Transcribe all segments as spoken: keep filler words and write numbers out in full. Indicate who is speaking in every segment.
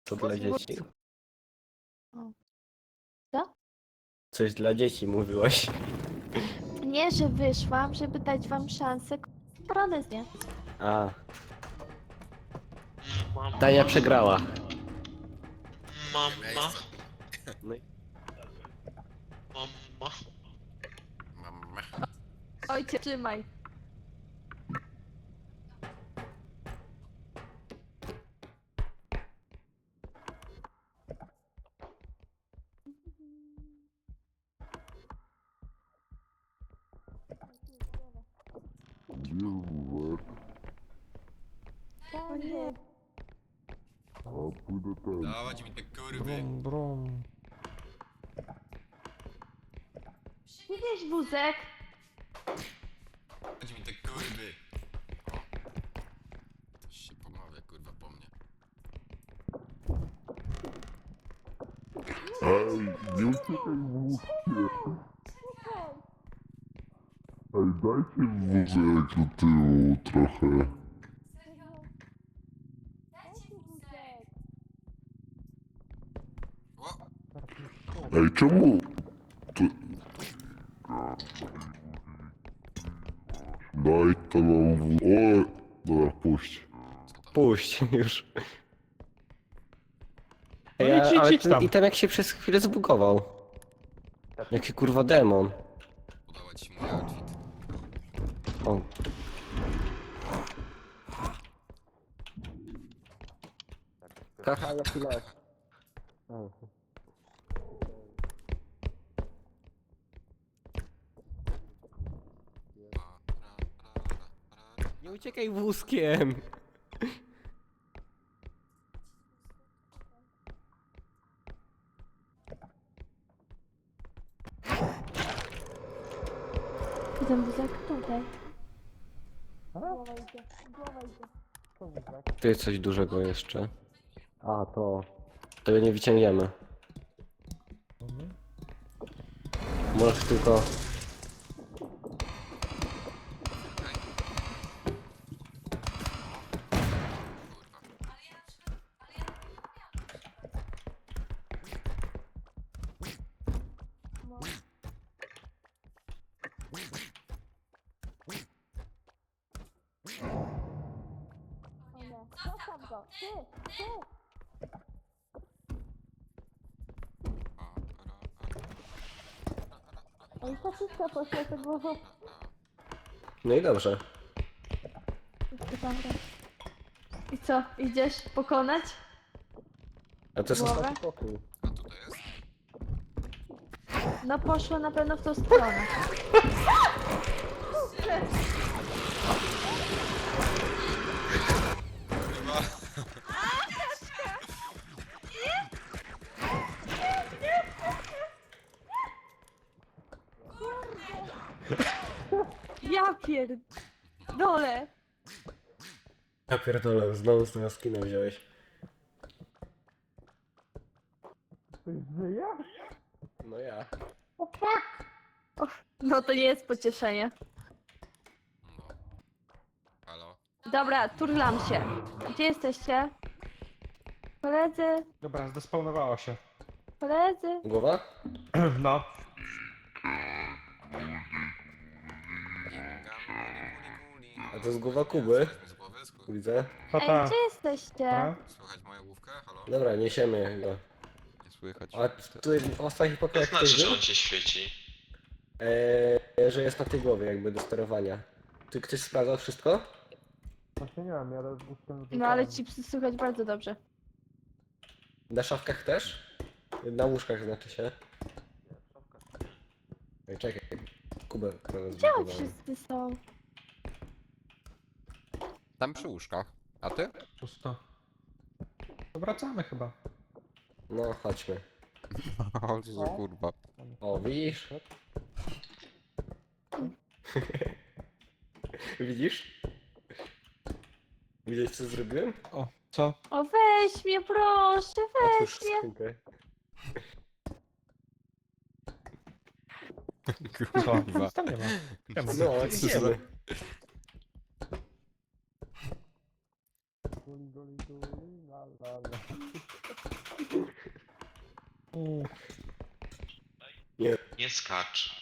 Speaker 1: To dla dzieci.
Speaker 2: Co?
Speaker 1: Coś dla dzieci mówiłaś.
Speaker 2: Nie, że wyszłam, żeby dać wam szansę koronę zdjąć.
Speaker 1: A,
Speaker 3: Mama.
Speaker 1: Tania przegrała.
Speaker 3: Mama.
Speaker 1: No i
Speaker 3: Mama.
Speaker 4: Mama.
Speaker 2: Ojcie, trzymaj. O nie.
Speaker 4: Dawać mi te kurwy.
Speaker 5: Brum, brum.
Speaker 2: Widzisz wózek?
Speaker 4: Dawać mi te kurwy. Coś się pomawia kurwa po mnie.
Speaker 6: Ej, nie uciekaj wózkiem. Ej, dajcie wózek do tyłu trochę.
Speaker 4: O!
Speaker 6: Ej, czemu? To... Daj to nam wózek. O, dobra, puść.
Speaker 1: puść już.
Speaker 5: No
Speaker 1: Ej,
Speaker 5: idź,
Speaker 1: a-
Speaker 5: idź,
Speaker 1: ale
Speaker 5: idź
Speaker 1: ten
Speaker 5: tam.
Speaker 1: item jak się przez chwilę zbugował. Jaki kurwa demon.
Speaker 4: Udawać ci mój outfit.
Speaker 1: O. Haha, na chwilę. O. Nie uciekaj wózkiem.
Speaker 2: Ten wózek tutaj.
Speaker 1: Tu jest coś dużego jeszcze. A, to... Tego nie wyciągniemy. Możesz tylko...
Speaker 2: Zostaw go. Ty, ty. Oj, ta wszystko poszła za głową.
Speaker 1: No i dobrze.
Speaker 2: I co, idziesz pokonać?
Speaker 1: A to jest
Speaker 2: Głowę?
Speaker 1: ostatni pokój.
Speaker 4: A tutaj jest?
Speaker 2: No poszło na pewno w tą stronę.
Speaker 4: Kurwa.
Speaker 2: Ja pierdolę.
Speaker 1: Ja pierdolę, znowu z tego skina wziąłeś. No ja.
Speaker 2: No to nie jest pocieszenie.
Speaker 4: No. Halo?
Speaker 2: Dobra, turlam się. Gdzie jesteście? Koledzy,
Speaker 5: Dobra, zdespawnowała się.
Speaker 2: koledzy.
Speaker 1: Głowa?
Speaker 5: No.
Speaker 1: A to jest głowa Kuby.
Speaker 4: Z głowy? Sku-
Speaker 1: Widzę.
Speaker 5: To
Speaker 2: Ej,
Speaker 5: ta.
Speaker 2: gdzie jesteście?
Speaker 5: Ta.
Speaker 4: Słychać moją główkę? Halo?
Speaker 1: Dobra, niesiemy go.
Speaker 4: Nie słychać.
Speaker 1: A tu w ostatnich
Speaker 3: To
Speaker 1: pokojach
Speaker 3: znaczy,
Speaker 1: ktoś
Speaker 3: że
Speaker 1: był?
Speaker 3: on cię świeci.
Speaker 1: Eee, że jest na tej głowie jakby do sterowania. Ty ktoś sprawdzał wszystko?
Speaker 5: Właśnie nie wiem, ja z wózkiem
Speaker 2: No ale ci psy słychać bardzo dobrze.
Speaker 1: Na szafkach też? Na łóżkach znaczy się. Ej, czekaj. Kubę
Speaker 2: Gdzie oni
Speaker 1: zbudowałem.
Speaker 2: wszyscy są?
Speaker 4: Tam przy łóżkach. A ty?
Speaker 5: Pusto. To wracamy chyba.
Speaker 1: No, chodźmy.
Speaker 4: O, co za kurwa.
Speaker 1: O, widzisz? Widzisz? Widzisz co zrobiłem?
Speaker 5: O, co?
Speaker 2: O weź mnie proszę,
Speaker 1: Otwórz
Speaker 2: weź mnie.
Speaker 1: skrzynkę.
Speaker 5: Co? Nic tam nie ma. Siema.
Speaker 1: No, idziemy.
Speaker 5: Mm.
Speaker 3: Nie skacz.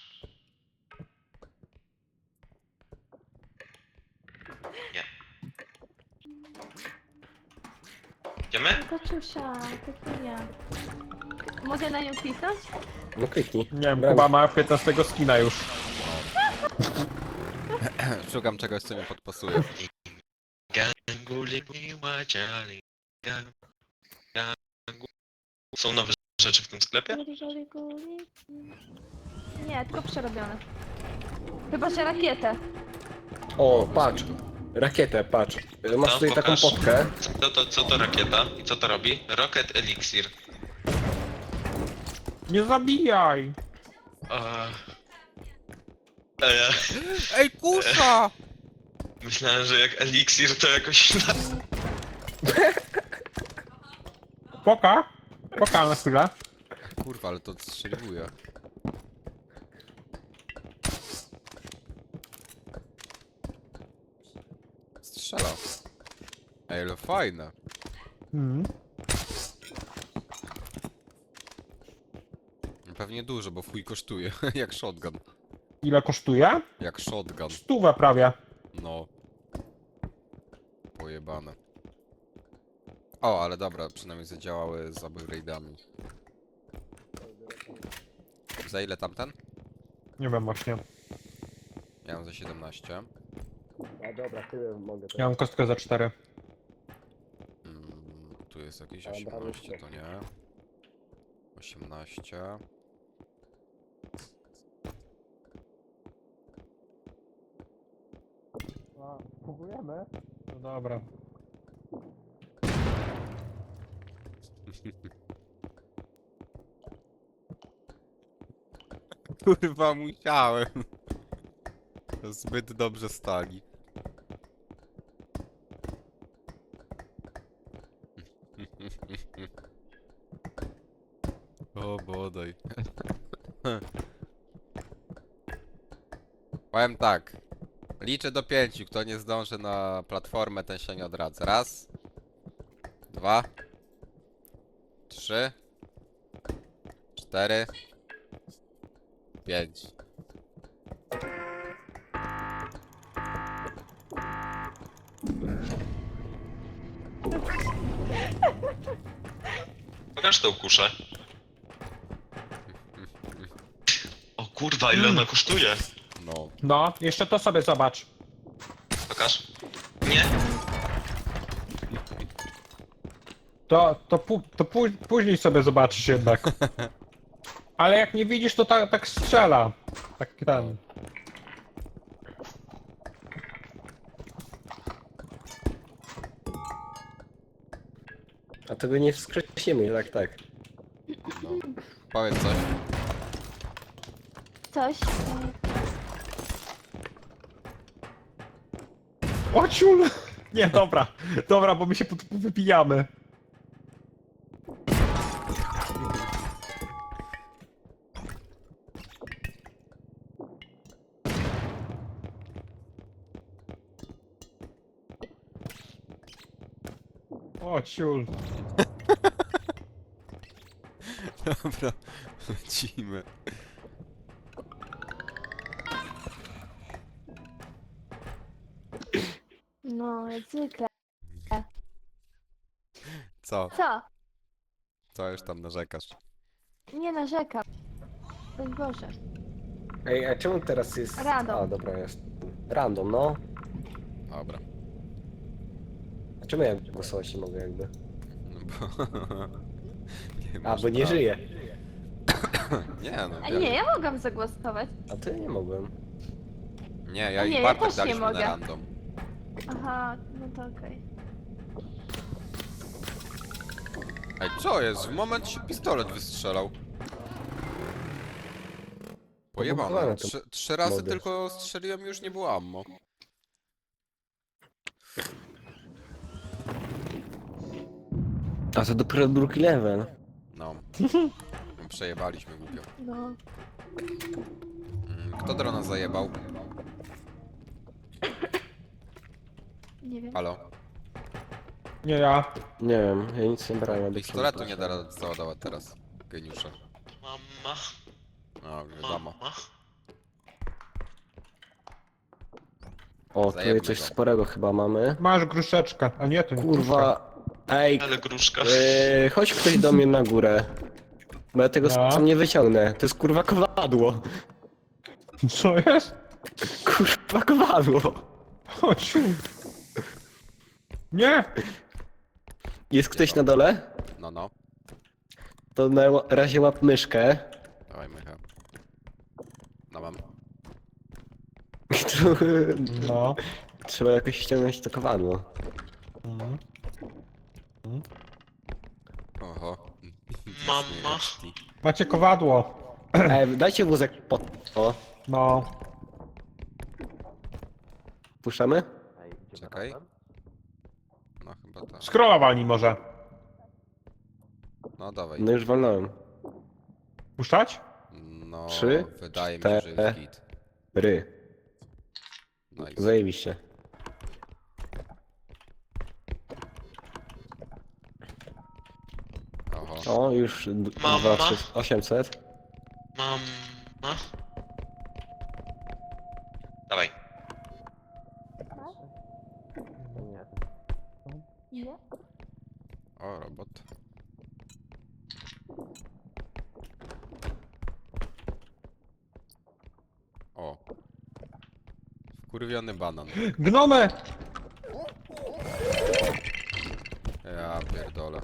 Speaker 3: Nie. Idziemy?
Speaker 2: Koczusia, Petunia. Mogę na nią kliknąć?
Speaker 1: No kliknij.
Speaker 5: Nie wiem,
Speaker 1: Brawo.
Speaker 5: Kuba ma piętnastego skina już.
Speaker 4: Szukam czegoś, co mnie podpasuje.
Speaker 3: Gangu miła dziali. Gangu. Są nowe rzeczy w tym sklepie?
Speaker 2: Guli, guli, guli. Nie, tylko przerobione. Chyba, że rakietę.
Speaker 1: O, patrz. Rakietę, patrz. Masz
Speaker 3: No,
Speaker 1: tutaj taką
Speaker 3: pokaż.
Speaker 1: potkę.
Speaker 3: Co to, co to rakieta? I co to robi? Rocket Elixir.
Speaker 5: Nie zabijaj!
Speaker 3: Eee... Eee,
Speaker 4: Ej, kusza!
Speaker 3: myślałem, że jak Elixir to jakoś...
Speaker 5: Poka? Poka na chwilę.
Speaker 4: Kurwa, ale to odstrzeliwuje. Strzela. Ej, ale fajne.
Speaker 5: Mm.
Speaker 4: Pewnie dużo, bo w chuj kosztuje. Jak shotgun.
Speaker 5: Ile kosztuje?
Speaker 4: Jak shotgun.
Speaker 5: Stówę prawie.
Speaker 4: No. Pojebane. O, ale dobra, przynajmniej zadziałały z upgrade'ami. Za ile tamten?
Speaker 5: Nie wiem właśnie.
Speaker 4: Ja mam za siedemnaście.
Speaker 1: A dobra, tyle mogę.
Speaker 5: Ja mam kostkę za cztery.
Speaker 4: Mm, tu jest jakieś
Speaker 1: Dobra,
Speaker 4: osiemnaście,
Speaker 1: już
Speaker 4: to nie. osiemnaście.
Speaker 5: Kupujemy? No dobra.
Speaker 4: Kurwa, musiałem. Zbyt dobrze stali. O bodaj. Powiem tak. Liczę do pięciu. Kto nie zdąży na platformę, ten się nie odradza. Raz. Dwa. Trzy. Cztery. Pięć.
Speaker 3: Pokaż tą kuszę. O kurwa, ile ona kosztuje?
Speaker 4: No.
Speaker 5: No, jeszcze to sobie zobacz.
Speaker 3: Pokaż. Nie?
Speaker 5: To, to, pu, to pu, później sobie zobaczysz jednak. Ale jak nie widzisz, to tak, tak strzela. Tak ten.
Speaker 1: A tego nie wskrzesimy, tak, tak.
Speaker 4: No. Powiedz coś.
Speaker 2: Coś.
Speaker 5: O ciul! Nie, dobra. Dobra, bo my się pod- wypijamy. O ciul.
Speaker 4: Dobra, lecimy.
Speaker 2: No, jak zwykle.
Speaker 4: Co?
Speaker 2: Co?
Speaker 4: Co już tam narzekasz?
Speaker 2: Nie narzekam. Broń Boże.
Speaker 1: Ej, a czemu teraz jest...
Speaker 2: Random.
Speaker 1: A, dobra, jest. Random, no.
Speaker 4: Dobra.
Speaker 1: A czemu ja głosować nie mogę jakby?
Speaker 4: No bo... nie
Speaker 1: A,
Speaker 4: masz
Speaker 1: bo nie
Speaker 4: prawa.
Speaker 1: żyję.
Speaker 4: Nie no,
Speaker 2: A
Speaker 4: wiem.
Speaker 2: nie, ja mogłam zagłosować.
Speaker 1: A ty nie mogłem.
Speaker 4: Nie, ja
Speaker 2: A
Speaker 4: i
Speaker 2: nie, ja
Speaker 4: Bartek
Speaker 2: też nie
Speaker 4: daliśmy na
Speaker 2: mogę.
Speaker 4: random.
Speaker 2: Aha, no to okej.
Speaker 4: Ej, co jest? W moment się pistolet wystrzelał. Pojebane.
Speaker 1: Pobugowane to
Speaker 4: Trzy, trzy razy
Speaker 1: mody.
Speaker 4: tylko strzeliłem i już nie było ammo.
Speaker 1: A to dopiero drugi level.
Speaker 4: No. Przejebaliśmy głupio.
Speaker 2: No.
Speaker 4: Mm, Kto drona zajebał?
Speaker 2: Nie wiem.
Speaker 4: Halo?
Speaker 5: Nie ja.
Speaker 1: Nie wiem, ja nic nie brałem. aby
Speaker 4: Pistoletu
Speaker 1: książkę
Speaker 4: nie da rady załadować teraz. Geniusze.
Speaker 3: Mama,
Speaker 4: No, wiadomo.
Speaker 3: mama.
Speaker 1: O, tu
Speaker 4: Zajebmy
Speaker 1: coś
Speaker 4: go.
Speaker 1: sporego chyba mamy.
Speaker 5: Masz gruszeczkę. A nie, to nie gruszka.
Speaker 1: Kurwa. Ej,
Speaker 3: Ale gruszka.
Speaker 1: yy, chodź ktoś do mnie na górę. Bo ja tego
Speaker 5: No.
Speaker 1: sam nie wyciągnę. To jest kurwa kowadło.
Speaker 5: Co jest?
Speaker 1: Kurwa kowadło.
Speaker 5: Chodź. Nie!
Speaker 1: Jest ktoś na dole?
Speaker 4: No, no.
Speaker 1: To na razie łap myszkę.
Speaker 4: Dawaj, Michał. No mam.
Speaker 1: Tu
Speaker 5: No.
Speaker 1: trzeba jakoś ściągnąć to kowadło.
Speaker 5: Mhm.
Speaker 4: Oho.
Speaker 3: Mama.
Speaker 5: Macie kowadło.
Speaker 1: Ej, dajcie wózek pod to.
Speaker 5: No.
Speaker 1: Puszczamy?
Speaker 4: Czekaj. No chyba tak.
Speaker 5: Scrollowali może.
Speaker 4: No dawaj.
Speaker 1: No już walnąłem.
Speaker 5: Puszczać?
Speaker 4: No,
Speaker 1: Trzy,
Speaker 4: wydaje mi się, że jest git.
Speaker 1: Ry.
Speaker 4: Nice.
Speaker 1: Zajebiście.
Speaker 4: Oho.
Speaker 1: O, już d-
Speaker 3: Mama.
Speaker 1: dwa, trzy, osiemset.
Speaker 3: Mama. Dawaj.
Speaker 2: Nie?
Speaker 4: O, robot. O. Wkurwiony banan.
Speaker 5: Gnomy!
Speaker 4: Ja pierdolę.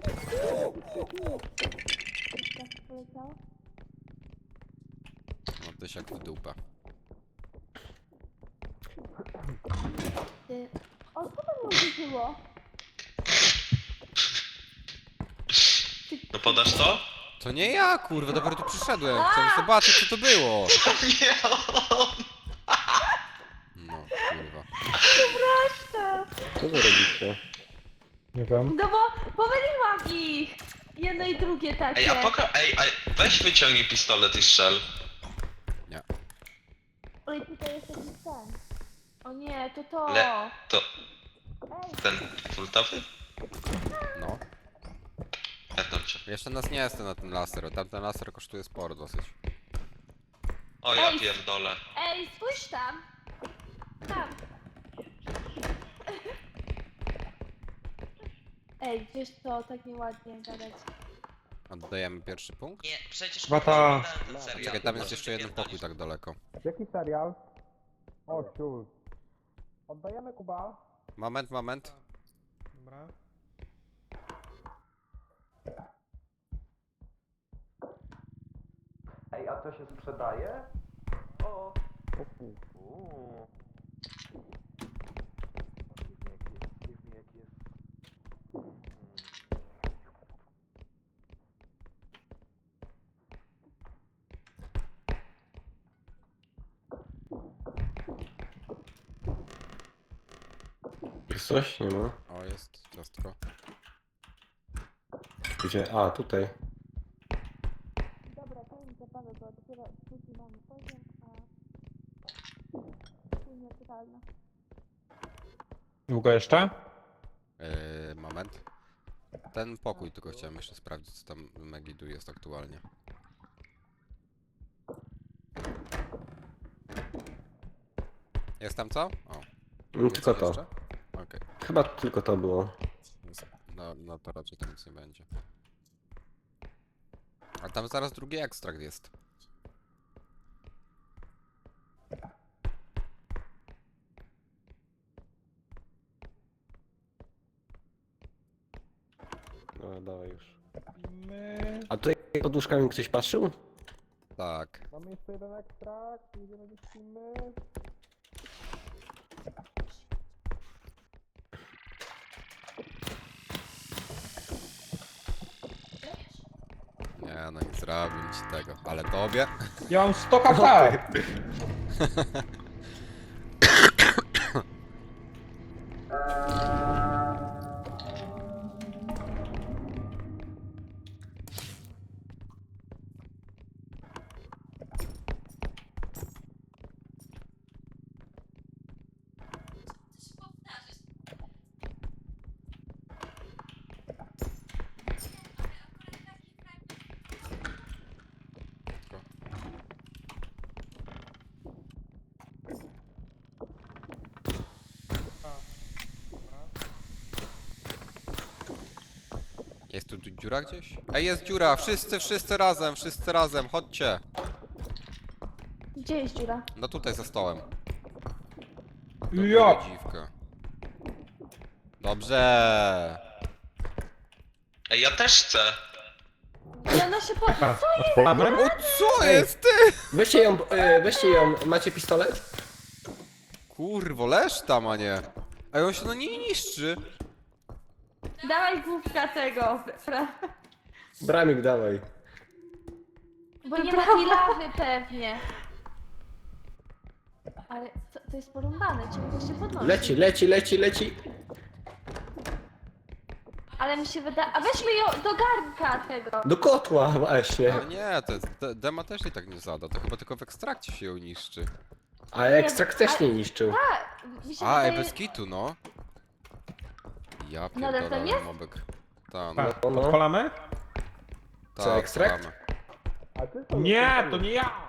Speaker 4: No tyś jak w dupę.
Speaker 2: Ty. O, co tam uderzyło?
Speaker 3: No podasz to?
Speaker 4: To nie ja, kurwa, dopiero tu przyszedłem. Chciałem zobaczyć, co to było.
Speaker 3: Nie.
Speaker 4: No, kurwa.
Speaker 1: Co wy robicie?
Speaker 5: Nie wiem.
Speaker 2: No bo pomyliłam ich! Jedno i drugie takie.
Speaker 3: Ej, a poka... Ej, a weź wyciągnij pistolet i strzel.
Speaker 4: Nie.
Speaker 2: Oj, tutaj jest jakiś ten. O nie, to to.
Speaker 3: Le- To
Speaker 2: Ej,
Speaker 3: ten fultowy?
Speaker 4: No.
Speaker 3: Pierdol cię.
Speaker 4: Jeszcze nas nie jest na ten laser. Tamten laser kosztuje sporo dosyć.
Speaker 3: O ja
Speaker 2: Ej.
Speaker 3: pierdolę.
Speaker 2: ej, spójrz tam! Tam! Ej, wiesz co, tak nieładnie gadać.
Speaker 4: Oddajemy pierwszy punkt?
Speaker 3: Nie, przecież
Speaker 5: Chyba ta-
Speaker 3: ten serial.
Speaker 4: Czekaj, tam jest
Speaker 3: Możesz
Speaker 4: jeszcze jeden
Speaker 3: wypierdolić.
Speaker 4: pokój tak daleko.
Speaker 5: Jaki serial? O, ciul. Oddajemy Kuba.
Speaker 4: Moment, moment.
Speaker 5: Dobra.
Speaker 1: Ej, a to się sprzedaje? O. Jest coś? Nie ma.
Speaker 4: O, jest ciastko.
Speaker 1: Gdzie? A, tutaj.
Speaker 2: Dobra, to mi zabawę, bo dopiero drugi mamy poziom, a tu nietykalne.
Speaker 5: Długo jeszcze?
Speaker 4: Yy, moment. Ten pokój tylko chciałem jeszcze sprawdzić, co tam w Megidu jest aktualnie. Jest tam co? O,
Speaker 1: Mm,
Speaker 4: jest
Speaker 1: Tylko
Speaker 4: coś
Speaker 1: to.
Speaker 4: jeszcze? Okej.
Speaker 1: Chyba tylko to było.
Speaker 4: Jest- No, no to raczej tam nic nie będzie. A tam zaraz drugi ekstrakt jest.
Speaker 1: No, dawaj już.
Speaker 5: My...
Speaker 1: A tutaj pod łóżkami ktoś patrzył?
Speaker 4: Tak.
Speaker 5: Mamy jeszcze jeden ekstrakt, jedziemy do filmy.
Speaker 4: Nie, no nie zrobię ci tego. Ale tobie?
Speaker 5: Ja mam sto K P!
Speaker 4: tu, tu dziura gdzieś? Ej, jest dziura! Wszyscy, wszyscy razem, wszyscy razem, chodźcie!
Speaker 2: Gdzie jest dziura?
Speaker 4: No tutaj za stołem.
Speaker 5: Jo!
Speaker 4: Dobra, dziwka. Dobrze!
Speaker 3: Ej, ja też chcę.
Speaker 2: I ona się po...
Speaker 5: Otwieramy?
Speaker 4: O, co jest ty?
Speaker 1: Weźcie ją, e, weźcie ją, macie pistolet?
Speaker 4: Kurwo, leż tam, a nie. Ej, on się no nie niszczy.
Speaker 2: Dawaj główka tego, fra...
Speaker 1: Bramik, dawaj.
Speaker 2: Bo nie ma tej lawy pewnie. Ale to, to jest porąbane, czemu to się podnosi?
Speaker 1: Leci, leci, leci, leci.
Speaker 2: Ale mi się wydaje... A weźmy ją do garnka tego.
Speaker 1: Do kotła właśnie.
Speaker 4: No nie, to jest, de, dema też i tak nie zada, to chyba tylko w ekstrakcie się ją niszczy.
Speaker 1: Ale ekstrakt też nie niszczył.
Speaker 2: A, mi się
Speaker 4: A, ej,
Speaker 2: wydaje...
Speaker 4: bez kitu, no. Ja
Speaker 2: Nadal tam
Speaker 4: pierdolę,
Speaker 2: jest?
Speaker 4: mobek. Ta, no,
Speaker 5: Tak,
Speaker 1: No, no.
Speaker 5: odpalamy?
Speaker 4: ta,
Speaker 1: Co, ekstrakt?
Speaker 4: odpalamy.
Speaker 5: Nie, to nie ja!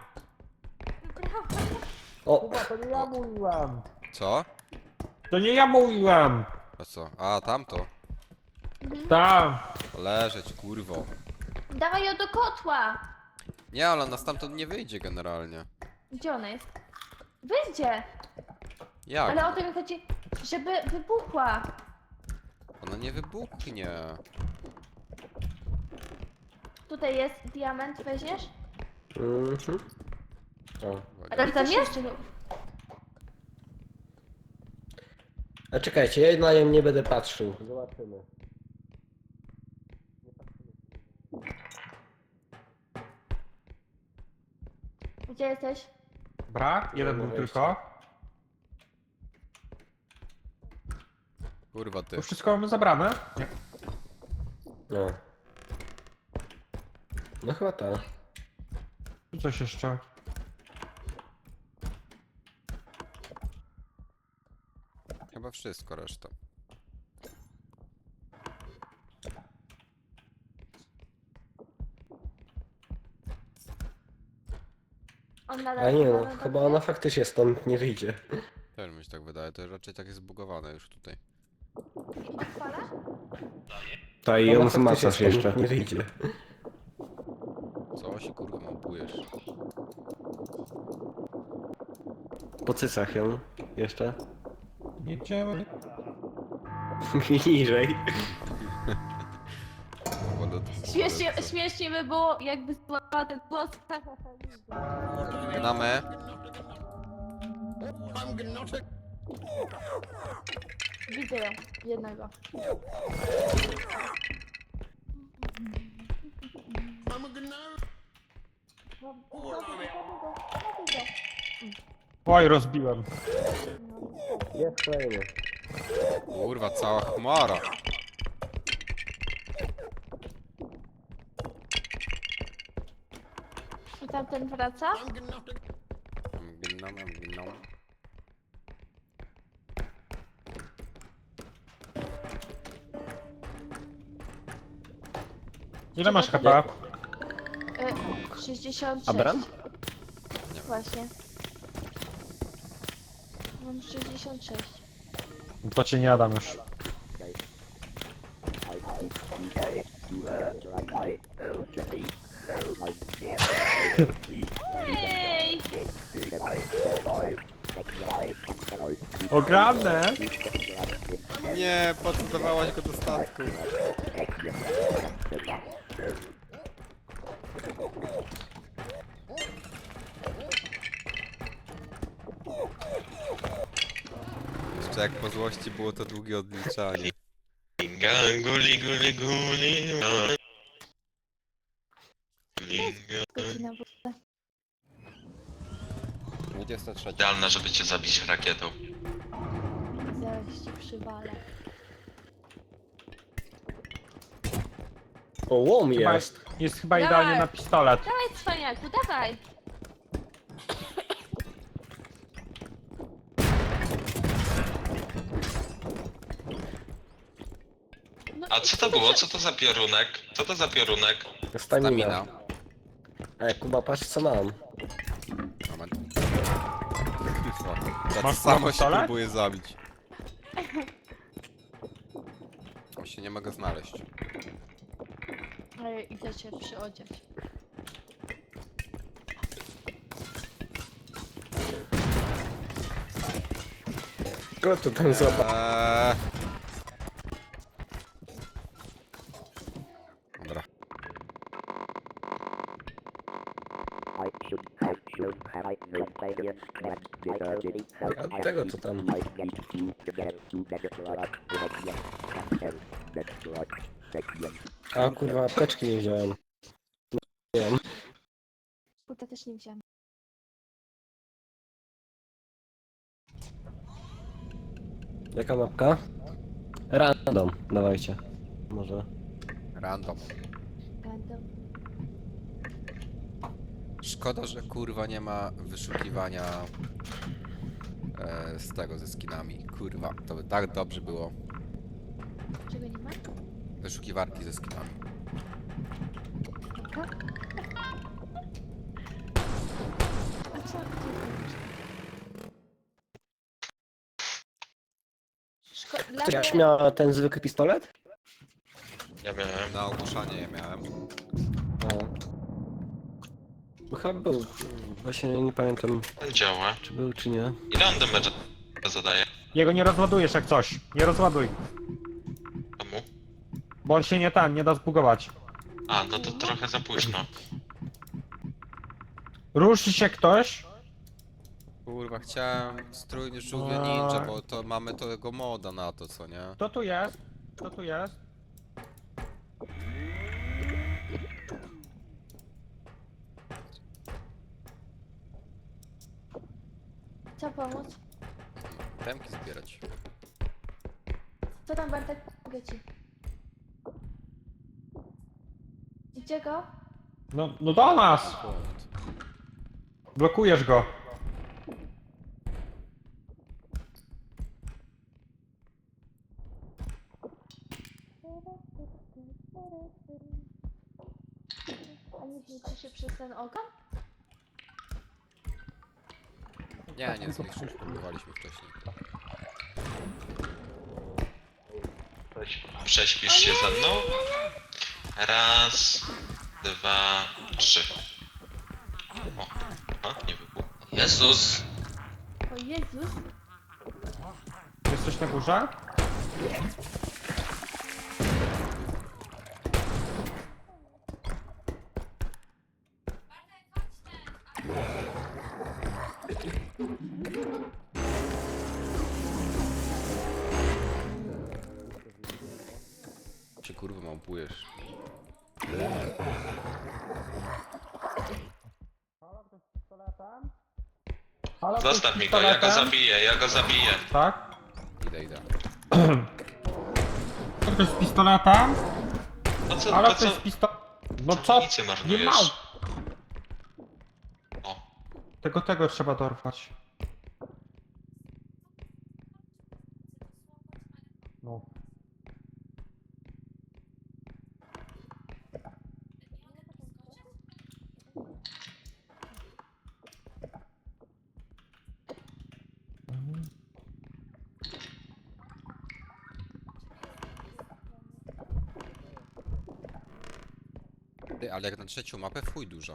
Speaker 1: O,
Speaker 5: To nie ja mówiłem!
Speaker 4: Co?
Speaker 5: To nie ja mówiłem!
Speaker 4: A co? A, tamto.
Speaker 5: Tam!
Speaker 4: Leżeć, kurwo.
Speaker 2: Dawaj ją do kotła.
Speaker 4: Nie, ale ona stamtąd nie wyjdzie generalnie.
Speaker 2: Gdzie ona jest? Wyjdzie.
Speaker 4: Jak?
Speaker 2: Ale o to mi chodzi, żeby wybuchła.
Speaker 4: Ona nie wybuchnie.
Speaker 2: Tutaj jest diament, weźmiesz?
Speaker 1: mhm. O.
Speaker 2: Ale tam jest?
Speaker 1: A czekajcie, ja na nią nie będę patrzył. Zobaczymy.
Speaker 2: Gdzie jesteś?
Speaker 5: Brak? Jeden był tylko.
Speaker 4: Kurwa ty.
Speaker 5: To wszystko mamy zabrane? Nie.
Speaker 1: No. No chyba tak.
Speaker 5: Tu coś jeszcze.
Speaker 4: Chyba wszystko reszta.
Speaker 2: On nadal
Speaker 1: A nie no,
Speaker 2: nadal
Speaker 1: chyba
Speaker 2: dobrze?
Speaker 1: ona faktycznie stąd nie wyjdzie.
Speaker 4: Też mi się tak wydaje, to raczej tak jest zbugowane już tutaj.
Speaker 2: Odpala?
Speaker 1: Ta
Speaker 5: i ją zmacasz jeszcze.
Speaker 1: Nie wyjdzie.
Speaker 4: Co się kurwa małpujesz?
Speaker 1: Po cycach ją jeszcze.
Speaker 5: Jedziemy.
Speaker 1: Niżej.
Speaker 4: Kurwa, no to-
Speaker 2: Śmiesznie, śmiesznie by było, jakby złapała ten głos.
Speaker 4: Na me.
Speaker 2: Widzę ją, jednego.
Speaker 5: Oj, rozbiłem.
Speaker 1: Jest kolejny.
Speaker 4: Kurwa, cała chmara.
Speaker 2: I tamten wraca?
Speaker 4: Ginam, ginam.
Speaker 5: Ile masz H P?
Speaker 2: Y, sześćdziesiąt sześć.
Speaker 1: Abram?
Speaker 2: Właśnie. Mam sześćdziesiąt sześć.
Speaker 5: To cię nie jadam już.
Speaker 2: Ej!
Speaker 5: Ogromne!
Speaker 4: Nie, poddawałaś go do statku. Jeszcze jak po złości było to długie odliczanie.
Speaker 3: Linga, guli, guli, guli. no. Linga.
Speaker 2: Godzina w ogóle.
Speaker 4: dwudziesta trzecia.
Speaker 3: Idealna, żeby cię zabić rakietą.
Speaker 2: Zaraz ci przywalę.
Speaker 1: O, łom
Speaker 5: Chyba
Speaker 1: jest.
Speaker 5: jest, jest chyba
Speaker 2: Dawaj.
Speaker 5: idealnie na pistolet.
Speaker 2: Dawaj, cwaniaku, dawaj! No
Speaker 3: A
Speaker 2: i
Speaker 3: co to było? Co to za piorunek? Co to za piorunek?
Speaker 1: Stamina.
Speaker 4: Stamina.
Speaker 1: Ej, Kuba, patrz co mam.
Speaker 4: Moment. Kurwa. Tak
Speaker 5: Masz
Speaker 4: samo się
Speaker 5: pistolet?
Speaker 4: próbuje zabić. Właśnie nie mogę znaleźć.
Speaker 2: A ja idę cię przyodziać.
Speaker 1: Kto to tam złapał?
Speaker 4: Eee... Dobra.
Speaker 7: I should, I should have I no players can the surgery.
Speaker 1: A tego co tam?
Speaker 7: I need to get to better product. Better product. Second.
Speaker 1: A kurwa, apteczki nie wziąłem. Nie wiem.
Speaker 2: Kurde, też nie wziąłem.
Speaker 1: Jaka mapka? Random, dawajcie. Może.
Speaker 4: Random.
Speaker 2: Będę.
Speaker 4: Szkoda, że kurwa nie ma wyszukiwania e, z tego, ze skinami. Kurwa, to by tak dobrze było.
Speaker 2: Czego nie ma?
Speaker 4: Wyszukiwarki ze skinami.
Speaker 2: Taka? A co? Szko... Dla
Speaker 1: Ty
Speaker 2: mnie...
Speaker 1: już miała ten zwykły pistolet?
Speaker 3: Ja miałem.
Speaker 4: Na ogłuszanie je miałem.
Speaker 1: A. Bo chyba był. Właśnie nie pamiętam,
Speaker 3: On działa.
Speaker 1: czy był, czy nie.
Speaker 3: Ile on damage zadaje?
Speaker 5: Jego nie rozładujesz jak coś. Nie rozładuj.
Speaker 3: Komu?
Speaker 5: Bo on się nie tam, nie da zbugować.
Speaker 3: A, no to trochę za późno.
Speaker 5: Ruszy się ktoś.
Speaker 4: Kurwa, chciałem strójny żółwie ninja, bo to mamy tego moda na to, co nie?
Speaker 5: Kto tu jest? Kto tu jest?
Speaker 2: Co pomóc?
Speaker 4: Temki zbierać.
Speaker 2: Co tam, Bartek? Pomogę ci. Gdzie go?
Speaker 5: No, no do nas!
Speaker 4: Punkt.
Speaker 5: Blokujesz go.
Speaker 2: A nie zmieści się przez ten ogon?
Speaker 4: Nie, nie zniszczysz, próbowaliśmy wcześniej.
Speaker 3: Prześpisz się ze mną? Raz, dwa, trzy. O, a, nie wybuchł. Jezus!
Speaker 2: O Jezus!
Speaker 5: Jesteś na górze?
Speaker 4: Czy kurwa małpujesz?
Speaker 5: Halo, ktoś
Speaker 3: Zostaw
Speaker 5: z
Speaker 3: mi go, ja go
Speaker 5: pistoletem?
Speaker 3: zabiję, ja go zabiję.
Speaker 5: Tak?
Speaker 4: Idę, idę.
Speaker 5: Ktoś z pistoletem?
Speaker 3: Po co,
Speaker 5: Halo,
Speaker 3: po co?
Speaker 5: ktoś z pistoletem? No co?
Speaker 3: Nic
Speaker 5: Nie
Speaker 3: marnujesz.
Speaker 5: ma!
Speaker 3: O,
Speaker 5: Tego, tego trzeba dorwać. No.
Speaker 4: Ty, ale jak na trzecią mapę, w chuj dużo.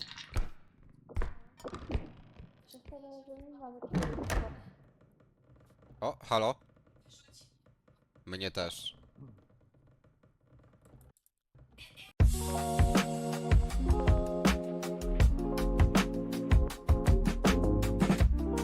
Speaker 2: Przez tyle, że nie mamy.
Speaker 4: O, halo? Mnie też.